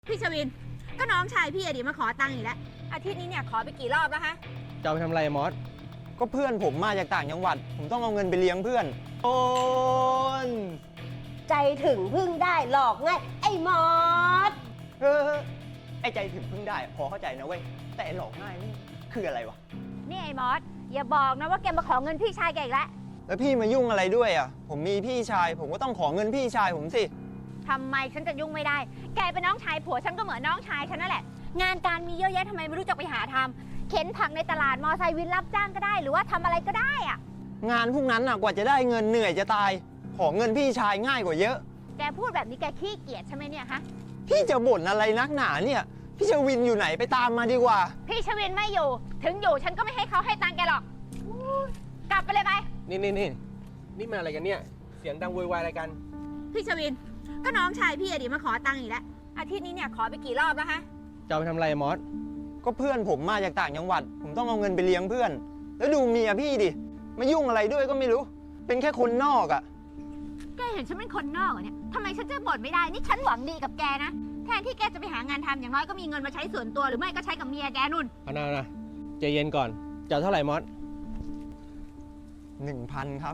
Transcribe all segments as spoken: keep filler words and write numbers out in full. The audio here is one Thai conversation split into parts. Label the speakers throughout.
Speaker 1: พี่ชวินก็น้องชายพี่อดีมาขอตังค์อีกแล้วอาทิตย์นี้เนี่ยขอไปกี่รอบแล้วฮะ
Speaker 2: จะเอาไปทำอะไรมอส
Speaker 3: ก็เพื่อนผมมาจากต่างจังหวัดผมต้องเอาเงินไปเลี้ยงเพื่อนโอน
Speaker 4: ใจถึงพึ่งได้หลอกง่ายไอ้มอส
Speaker 3: เออไอ้ใจถึงพึ่งได้พอเข้าใจนะเว้ยแต่หลอกง่ายนี่คืออะไรวะ
Speaker 1: นี่ไอ้มอสอย่าบอกนะว่าแกมาขอเงินพี่ชายแกอีกแล้ว
Speaker 3: แล้วพี่มายุ่งอะไรด้วยอ่ะผมมีพี่ชายผมก็ต้องขอเงินพี่ชายผมสิ
Speaker 1: ทำไมฉันจะยุ่งไม่ได้แกเป็นน้องชายผัวฉันก็เหมือนน้องชายฉันนั่นแหละงานการมีเยอะแยะทำไมไม่รู้จักไปหาทำเข็นผักในตลาดมอไซค์วินรับจ้างก็ได้หรือว่าทำอะไรก็ได้อะ
Speaker 3: งานพวกนั้นอ่ะกว่าจะได้เงินเหนื่อยจะตายขอเงินพี่ชายง่ายกว่าเยอะ
Speaker 1: แกพูดแบบนี้แกขี้เกียจใช่ไหมเนี่ยฮะ
Speaker 3: พี่จะบ่นอะไรนักหนาเนี่ยพี่ชวินอยู่ไหนไปตามมาดีกว่า
Speaker 1: พี่ชวินไม่อยู่ถึงอยู่ฉันก็ไม่ให้เขาให้ตังค์แกหรอกกลับไปเลยไป
Speaker 2: นี่นี่นี่นี่มาอะไรกันเนี่ยเสียงดังโวยวายอะไรกัน
Speaker 1: พี่ชวินก็น้องชายพี่อดีมาขอตังค์อีกแล้วอาทิตย์นี้เนี่ยขอไปกี่รอบแล้วฮะ
Speaker 2: จะเอาไปทำอะไรมอส
Speaker 3: ก็เพื่อนผมมาจากต่างจังหวัดผมต้องเอาเงินไปเลี้ยงเพื่อนแล้วดูเมียพี่ดิมายุ่งอะไรด้วยก็ไม่รู้เป็นแค่คนนอกอ่ะ
Speaker 1: แกเห็นฉันเป็นคนนอกเนี่ยทำไมฉันจะบ่นไม่ได้นี่ฉันหวังดีกับแกนะแทนที่แกจะไปหางานทำอย่างน้อยก็มีเงินมาใช้ส่วนตัวหรือไม่ก็ใช้กับเมียแกนุ่น
Speaker 2: เอานะนะใจเย็นก่อนจะเท่าไหร่มอส
Speaker 3: หนึ่งพันครับ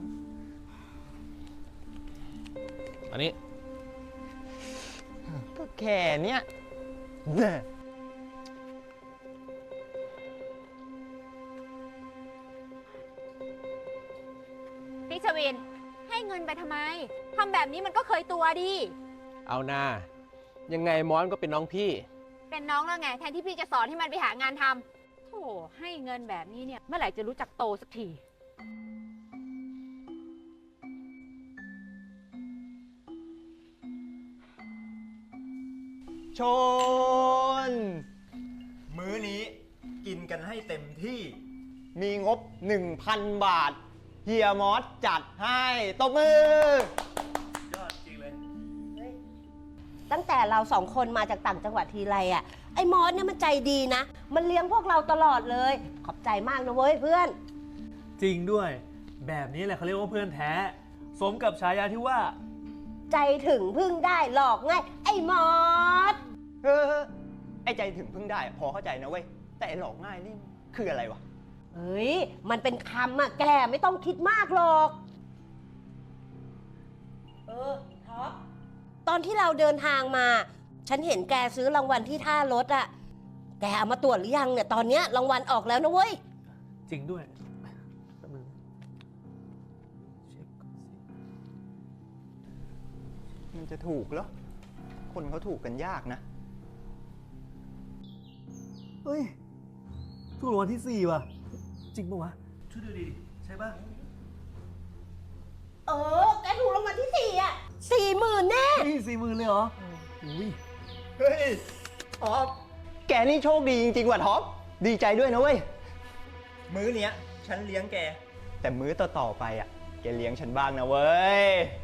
Speaker 2: อันนี้
Speaker 3: ก็แค่เนี้ย
Speaker 1: พี่ชวินให้เงินไปทำไมทำแบบนี้มันก็เคยตัวดิ
Speaker 2: เอานายังไงมอสก็เป็นน้องพี่
Speaker 1: เป็นน้องแล้วไงแทนที่พี่จะสอนให้มันไปหางานทำโธ่ให้เงินแบบนี้เนี่ยเมื่อไหร่จะรู้จักโตสักที
Speaker 3: ชนมื้อนี้กินกันให้เต็มที่มีงบ หนึ่งพัน บาทเฮียมอสจัดให้ตบมือย
Speaker 2: อดจริงเลย
Speaker 4: ตั้งแต่เราสองคนมาจากต่างจังหวัดทีไรอ่ะไอ้มอสเนี่ยมันใจดีนะมันเลี้ยงพวกเราตลอดเลยขอบใจมากนะเว้ยเพื่อน
Speaker 5: จริงด้วยแบบนี้แหละเขาเรียกว่าเพื่อนแท้สมกับฉายาที่ว่า
Speaker 4: ใจถึงพึ่งได้หลอกง่ายไอ้มอส
Speaker 3: เออไอ้ใจถึงพึ่งได้พอเข้าใจนะเว้ยแต่หลอกง่ายนี่คืออะไรวะ
Speaker 4: เฮ้ยมันเป็นคำอะแกไม่ต้องคิดมากหรอกเออท็อปตอนที่เราเดินทางมาฉันเห็นแกซื้อรางวัลที่ท่ารถอะแกเอามาตรวจหรือยังเนี่ยตอนเนี้ยรางวัลออกแล้วนะเว้ย
Speaker 5: จริงด้วยแป๊บนึงเช็คก่อน
Speaker 3: สิมันจะถูกเหรอคนเขาถูกกันยากนะ
Speaker 5: เฮ้ยถูกรางวัลที่สี่ว่ะจริงปะวะช่วยดูดิใช่ปะ
Speaker 4: เออแกถูกรางวัลที่สี่อ่ะสี่หมื่นแน่
Speaker 5: นี่สี่หมื่นเลยเหรออุ้ย
Speaker 3: เฮ้ยท็อปแกนี่โชคดีจริงๆว่ะท็อปดีใจด้วยนะเว้ยมื้อเนี้ยฉันเลี้ยงแกแต่มื้อต่อๆไปอ่ะแกเลี้ยงฉันบ้างนะเว้ย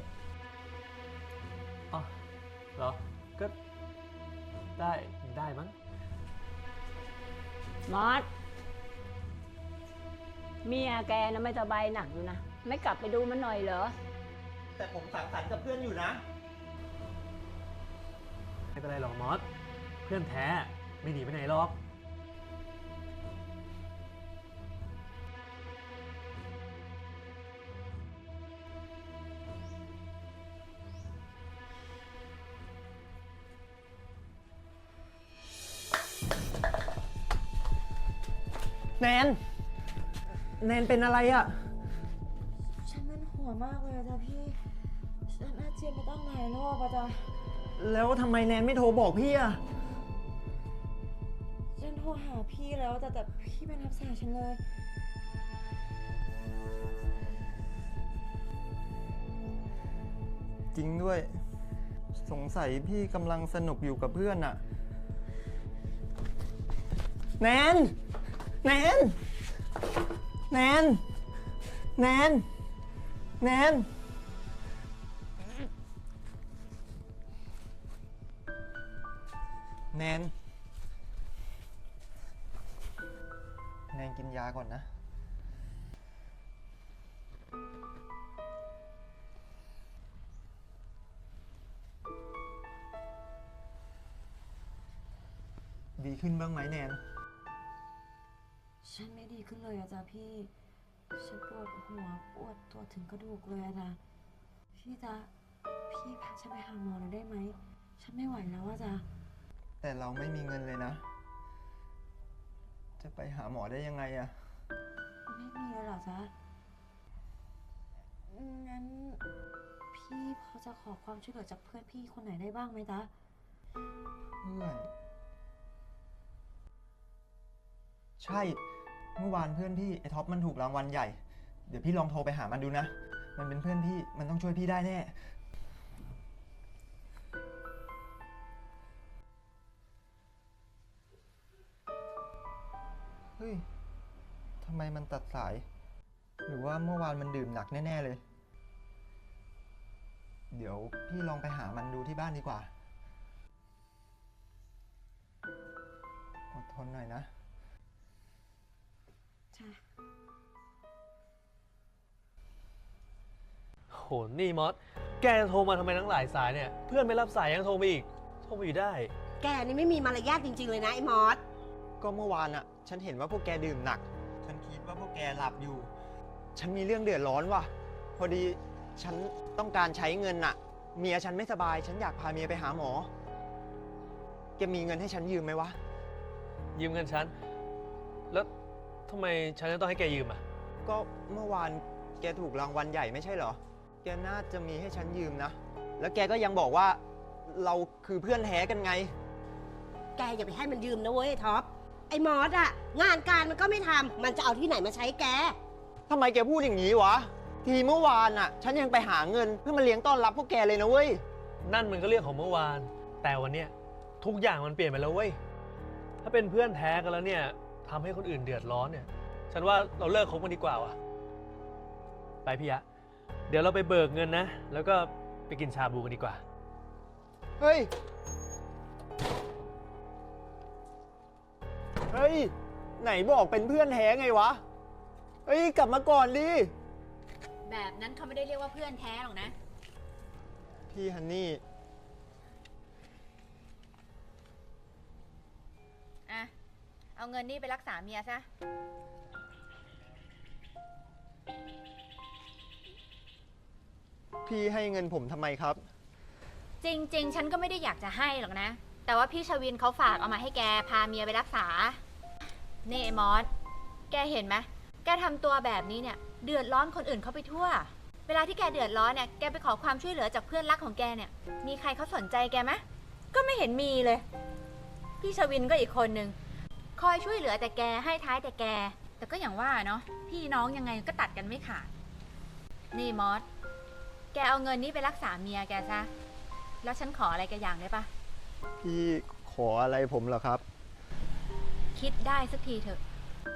Speaker 5: อ๋อเหรอก็ได้ได้มั้ง
Speaker 6: มอสเมียแกนะไม่สบายหนักอยู่นะไม่กลับไปดูมันหน่อยเหรอ
Speaker 3: แต่ผมสังสรรค์กับเพื่อนอยู่นะ
Speaker 5: ไม่เป็นไรหรอกมอสเพื่อนแท้ไม่หนีไปไหนหรอก
Speaker 3: แนนแนนเป็นอะไรอ่ะ
Speaker 7: ฉันมันหัวมากเลยอะจ้ะพี่ฉันอาเจียนไปตั้งหลายรอบอะจ้ะ
Speaker 3: แล้วทำไมแนนไม่โทรบอกพี่อ่ะ
Speaker 7: ฉันโทรหาพี่แล้วแต่แต่พี่ไม่รับสายฉันเลย
Speaker 3: จริงด้วยสงสัยพี่กำลังสนุกอยู่กับเพื่อนอ่ะแนนแนนแนนแนนแนนแนนแนนกินยาก่อนนะดีขึ้นบ้างไหมแนน
Speaker 7: ฉันไม่ดีขึ้นเลยอะจ้ะพี่ ฉันปวดหัวปวดตัวถึงกระดูกเลยอะจ้ะพี่จ๊ะพี่พาฉันไปหาหมอหน่อยได้ไหม ฉันไม่ไหวแล้วอะจ้ะ
Speaker 3: แต่เราไม่มีเงินเลยนะ จะไปหาหมอได้ยังไงอะ
Speaker 7: ไม่มีเลยเหรอจ๊ะ งั้นพี่พอจะขอความช่วยเหลือจากเพื่อนพี่คนไหนได้บ้างไหมจ๊ะ
Speaker 3: เพื่อน ใช่ เมื่อวานเพื่อนพี่ไอ้ท็อปมันถูกรางวัลใหญ่ เดี๋ยวพี่ลองโทรไปหามันดูนะ มันเป็นเพื่อนพี่ มันต้องช่วยพี่ได้แน่ เฮ้ย ทำไมมันตัดสาย หรือว่าเมื่อวานมันดื่มหนักแน่ๆเลย เดี๋ยวพี่ลองไปหามันดูที่บ้านดีกว่า อดทนหน่อยนะ
Speaker 5: โห นี่มอส แกจะโทรมาทำไมทั้งหลายสายเนี่ย เพื่อนไม่รับสายยังโทรมาอีก โทรมาอยู่ได้
Speaker 4: แกนี่ไม่มีมารยาทจริง ๆ เลยนะไอ้มอส
Speaker 3: ก็เมื่อวานอะฉันเห็นว่าพวกแกดื่มหนัก ฉันคิดว่าพวกแกหลับอยู่ ฉันมีเรื่องเดือดร้อนว่ะ พอดีฉันต้องการใช้เงินอะเมียฉันไม่สบาย ฉันอยากพาเมียไปหาหมอ แกมีเงินให้ฉันยืมไหมวะ
Speaker 5: ยืมเงินฉัน แล้วทำไมฉันจะต้องให้แกยืมอ่ะ
Speaker 3: ก็เมื่อวานแกถูกรางวัลใหญ่ไม่ใช่เหรอ แกน่าจะมีให้ฉันยืมนะ แล้วแกก็ยังบอกว่าเราคือเพื่อนแท้กันไง
Speaker 4: แกอย่าไปให้มันยืมนะเว้ยไอ้ท็อป ไอ้มอสอะงานการมันก็ไม่ทำ มันจะเอาที่ไหนมาใช้แก
Speaker 3: ทำไมแกพูดอย่างนี้วะ ทีเมื่อวานอะฉันยังไปหาเงินเพื่อมาเลี้ยงต้อนรับพวกแกเลยนะเว้ย
Speaker 5: นั่นมันก็เรื่องของเมื่อวาน แต่วันเนี้ยทุกอย่างมันเปลี่ยนไปแล้วเว้ย ถ้าเป็นเพื่อนแท้กันแล้วเนี่ยทำให้คนอื่นเดือดร้อนเนี่ย ฉันว่าเราเลิกคบกันดีกว่าว่ะ ไปพี่ยะ เดี๋ยวเราไปเบิกเงินนะ แล้วก็ไปกินชาบูกันดีกว่า
Speaker 3: เฮ้ย เฮ้ย ไหนบอกเป็นเพื่อนแท้ไงวะ เฮ้ย กลับมาก่อนดิ
Speaker 1: แบบนั้นเขาไม่ได้เรียกว่าเพื่อนแท้หรอกนะ
Speaker 3: พี่ฮันนี่
Speaker 1: อ่ะ เอาเงินนี่ไปรักษาเมียซะ
Speaker 3: พี่ให้เงินผมทำไมครับ
Speaker 1: จริง ๆ ฉันก็ไม่ได้อยากจะให้หรอกนะ แต่ว่าพี่ชวินเขาฝากเอามาให้แกพาเมียไปรักษา นี่ไอ้มอส แกเห็นไหม แกทำตัวแบบนี้เนี่ย เดือดร้อนคนอื่นเขาไปทั่ว เวลาที่แกเดือดร้อนเนี่ย แกไปขอความช่วยเหลือจากเพื่อนรักของแกเนี่ย มีใครเขาสนใจแกไหมก็ไม่เห็นมีเลย พี่ชวินก็อีกคนนึง คอยช่วยเหลือแต่แกให้ท้ายแต่แก แต่ก็อย่างว่าเนาะ พี่น้องยังไงก็ตัดกันไม่ขาด นี่มอส แกเอาเงินนี้ไปรักษาเมียแกซะ แล้วฉันขออะไรแกอย่างได้ปะ
Speaker 3: พี่ขออะไรผมเหรอครับ
Speaker 1: คิดได้สักทีเถอะ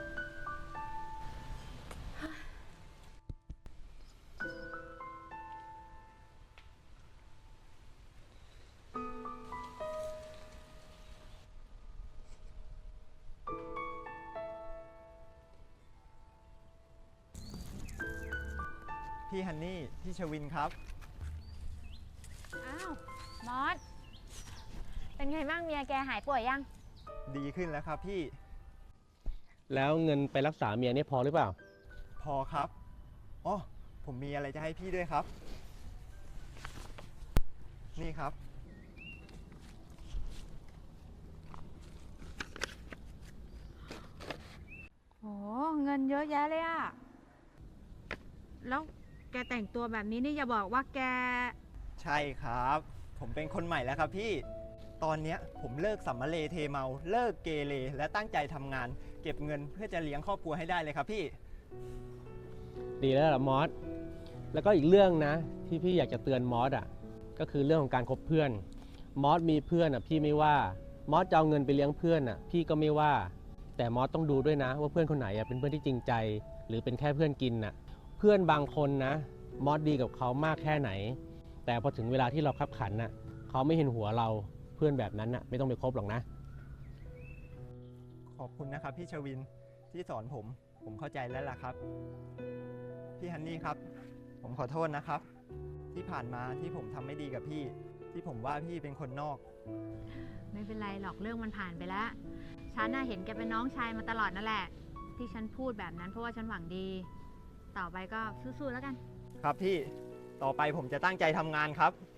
Speaker 3: พี่ฮันนี่ พี่ชวินครับ
Speaker 1: อ้าว มอส เป็นไงบ้างเมียแกหายป่วยยัง
Speaker 3: ดีขึ้นแล้วครับพี่
Speaker 2: แล้วเงินไปรักษาเมียเนี่ยพอหรือเปล่า
Speaker 3: พอครับอ๋อผมมีอะไรจะให้พี่ด้วยครับ นี่ครับ
Speaker 1: โห เงินเยอะแยะเลยอะแล้วแกแต่งตัวแบบนี้นี่อย่าบอกว่าแก
Speaker 3: ใช่ครับ ผมเป็นคนใหม่แล้วครับพี่ ตอนเนี้ยผมเลิกสัมมาเลเทเมา เลิกเกเรและตั้งใจทำงาน เก็บเงินเพื่อจะเลี้ยงครอบครัวให้ได้เลยครับพี่
Speaker 2: ดีแล้วล่ะมอส แล้วก็อีกเรื่องนะ ที่พี่อยากจะเตือนมอสอ่ะ ก็คือเรื่องของการคบเพื่อน มอสมีเพื่อนอ่ะพี่ไม่ว่า มอสจะเอาเงินไปเลี้ยงเพื่อนอ่ะพี่ก็ไม่ว่า แต่มอสต้องดูด้วยนะว่าเพื่อนคนไหนอ่ะเป็นเพื่อนที่จริงใจ หรือเป็นแค่เพื่อนกินน่ะ เพื่อนบางคนนะ มอสดีกับเขามากแค่ไหน แต่พอถึงเวลาที่เราคับขันน่ะเขาไม่เห็นหัวเราเพื่อนแบบนั้นน่ะไม่ต้องไปคบหรอกนะ
Speaker 3: ขอบคุณนะครับพี่ชวินที่สอนผม ผมเข้าใจแล้วล่ะครับ พี่ฮันนี่ครับ ผมขอโทษนะครับ ที่ผ่านมาที่ผมทำไม่ดีกับพี่ ที่ผมว่าพี่เป็นคนนอก
Speaker 1: ไม่เป็นไรหรอกเรื่องมันผ่านไปแล้ว ฉันน่ะเห็นแกเป็นน้องชายมาตลอดนั่นแหละ ที่ฉันพูดแบบนั้นเพราะว่าฉันหวังดี ต่อไปก็สู้ๆแล้วกัน
Speaker 3: ครับพี่ ต่อไปผมจะตั้งใจทำงานครับ